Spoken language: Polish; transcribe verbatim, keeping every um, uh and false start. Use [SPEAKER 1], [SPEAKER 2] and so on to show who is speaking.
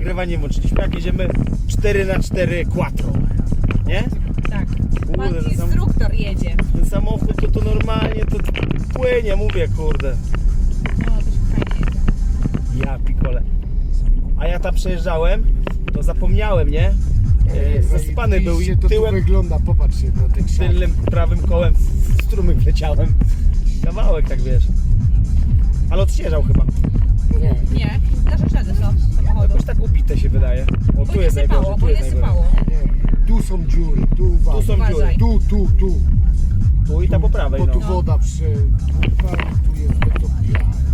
[SPEAKER 1] nagrywanie włączyliśmy, jak jedziemy cztery na cztery quattro, nie?
[SPEAKER 2] Tak. Pan
[SPEAKER 1] Kurde, ten, sam,
[SPEAKER 2] instruktor jedzie.
[SPEAKER 1] ten samochód to, to normalnie to płynie, mówię, kurde.
[SPEAKER 2] No, to się fajnie jest.
[SPEAKER 1] Ja pikole. A ja tam przejeżdżałem, to zapomniałem, nie? E, zasypany był i
[SPEAKER 3] to
[SPEAKER 1] tyłem,
[SPEAKER 3] tu wygląda, popatrzcie na ten krzak.
[SPEAKER 1] tylnym prawym kołem w strumyk wleciałem. Kawałek, tak wiesz. Ale odśnieżał chyba.
[SPEAKER 3] Nie,
[SPEAKER 2] Nie, nasze ślady są samochodu.
[SPEAKER 1] Jakoś tak ubite się wydaje. O,
[SPEAKER 2] Bo
[SPEAKER 1] tu
[SPEAKER 2] nie
[SPEAKER 1] jest
[SPEAKER 2] sypało,
[SPEAKER 1] najgorzej, tu
[SPEAKER 2] bo
[SPEAKER 1] jest
[SPEAKER 2] nie
[SPEAKER 1] najgorzej.
[SPEAKER 2] sypało.
[SPEAKER 3] nie. Tu są dziury, tu uważaj.
[SPEAKER 1] Tu są dziury.
[SPEAKER 2] Uważaj.
[SPEAKER 3] Tu, tu, tu.
[SPEAKER 1] Tu i ta po prawej,
[SPEAKER 3] Bo tu
[SPEAKER 1] no.
[SPEAKER 3] woda przepływa i tu jest wytopiona.